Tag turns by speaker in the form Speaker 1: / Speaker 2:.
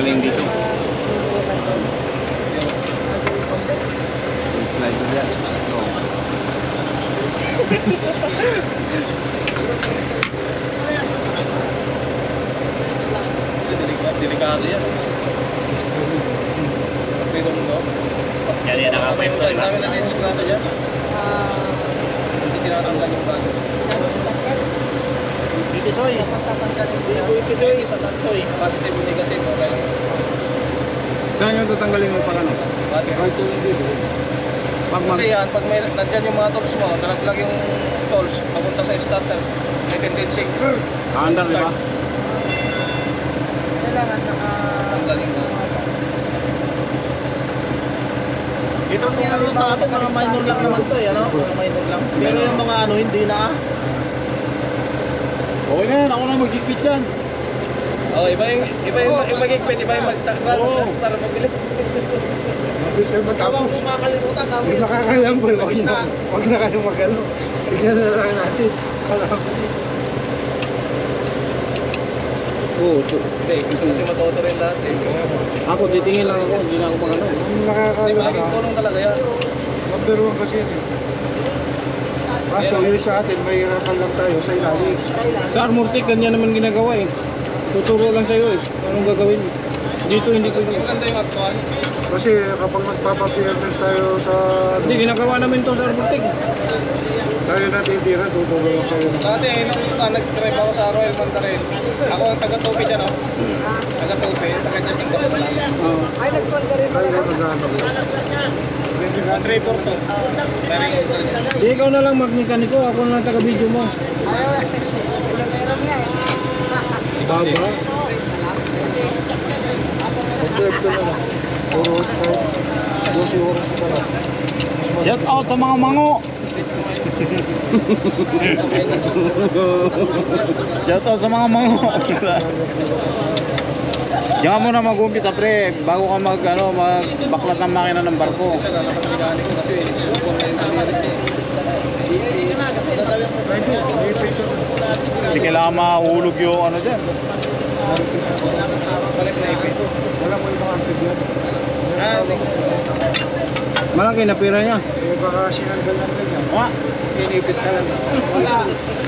Speaker 1: Galing dito. Slider yan.
Speaker 2: Delikado yan. Pagpito mo to.
Speaker 1: Yan nakapwesto.
Speaker 2: Ang dami na na-esklado dyan. Hindi tinatanggal yung bago.
Speaker 1: Pisoy.
Speaker 2: Pisoy, sa tansoy. Positive o negative. Okay.
Speaker 3: Saan yung tatanggalin mo pag ano? Right to dito.
Speaker 2: Kasi yan, pag may nandyan yung mga tools mo, nalaglag yung tools, papunta sa starter, may tendency.
Speaker 3: Kaandar, di ba?
Speaker 4: Kailangan
Speaker 2: Tanggalin mo.
Speaker 5: Ito kung ano sa atin, mga minor lang naman to eh, ano? Mga minor lang. Pero yung mga ano, hindi na.
Speaker 3: Okay na yan, ako na magigpit yan.
Speaker 2: Oh, iba yung magigpit, iba yung magtakral, para mabilis.
Speaker 3: Mabilis na
Speaker 5: Tawang kung makakalimutan kami.
Speaker 3: Hindi makakalam po, huwag na kayo mag-ano. Tignan na lang natin. Mabilis. Oo,
Speaker 2: Hindi, gusto kasi matuto rin lahat eh.
Speaker 3: ako titingin lang ako, hindi na ako mag-ano.
Speaker 2: Hindi,
Speaker 3: Makakalam
Speaker 2: malaking tulong talaga yan.
Speaker 3: Number 1 kasi yun. Kaso yun sa atin, may hirapan lang tayo sa ilalim. Sa Armortic, ganyan naman ginagawa eh. Tuturo lang sa'yo eh, anong gagawin. Dito hindi ko
Speaker 2: Mas maganda yung actual.
Speaker 3: kasi kapag magpapapierments tayo sa... Hindi, ginagawa namin to sa Armortic. Tayo natin tira, tuturo lang sa'yo.
Speaker 2: Dati, nung nag-drive ako sa Royal Mandarin, ako ang taga-tupi dyan, oh. Taga-tupi, taga-Justin Bako lang.
Speaker 4: Ay, nag-call ka rin
Speaker 3: Tayo na magano.
Speaker 2: Ang driver to. Meron yung driver.
Speaker 3: Di ikaw na lang magmekaniko, ako na lang taga-video mo.
Speaker 4: Ayaw, meron nga eh.
Speaker 3: Baba. Observe ko na lang. Puro 12 oras pa lang.
Speaker 1: Shout out sa mga mango. Shout out sa mga mango. Diyan ka muna mag-umpisa pre, bago ka magbaklat ng makina ng barko.
Speaker 2: Isa na nakapaligani ko kasi kung may nangyari
Speaker 1: Hindi kailangan mahulog yung ano dyan.
Speaker 2: balik na ipin.
Speaker 3: Wala mo ibang antibiyot.
Speaker 1: Malaki na pira niya.
Speaker 3: Eh baka sinanggal lang ganyan.
Speaker 1: Mga
Speaker 3: Pinipit ka lang.